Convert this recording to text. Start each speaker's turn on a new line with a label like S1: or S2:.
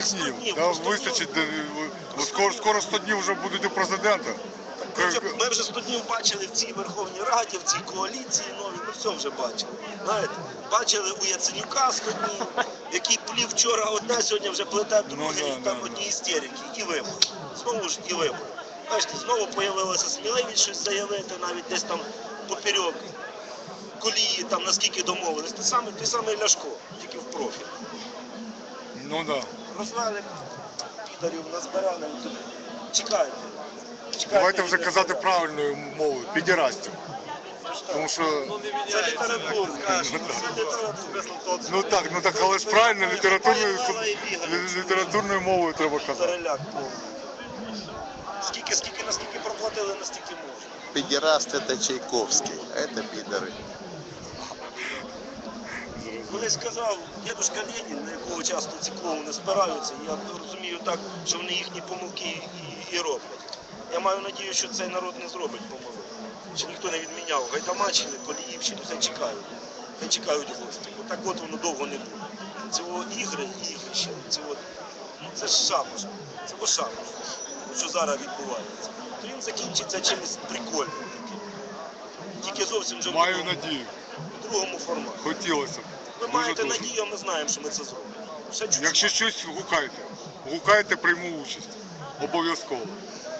S1: Днів, да, вистачить, скоро 100 днів вже будуть у президента.
S2: Ми вже 100 днів бачили в цій Верховній Раді, в цій коаліції новій, ми все вже бачили. Знаєте, бачили у Яценюка 100 днів, який плів вчора одне, сьогодні вже плете друге, і там одні істерики, і вибори. Знову ж і вибори. Бачите, знову з'явилася сміливість щось заявити, навіть десь там поперек колії, там наскільки домовились. Той самий Ляшко, тільки в профіль.
S1: Ну да.
S2: Розвели підарів, назбирали, чекайте.
S1: Давайте вже казати правильною мовою, підірастів. Тому що...
S2: Це літературно.
S1: Ну так, але ж правильно, літературною мовою треба казати.
S2: Переляк повний. Наскільки проплатили, настільки можна.
S3: Педераст это Чайковский, а это пидоры.
S2: Колись сказав дідусь Ленін, на якого часто ці клоуни спираються, я розумію так, що вони їхні помилки і роблять. Я маю надію, що цей народ не зробить помилок. Що ніхто не відміняв Гайдамаччини, Коліївщину, це чекають. Хай чекають гості. Так от воно довго не буде. Це ігри і ігрища. Це ж шабаш. Це шабаш, що зараз відбувається. То він закінчиться чимось прикольним таким. Тільки зовсім вже
S1: Маю надію.
S2: в другому форматі.
S1: Хотілося б.
S2: Ви маєте надію, а ми знаємо, що ми це зробимо.
S1: Якщо щось, гукайте. Гукайте, прийму участь. Обов'язково.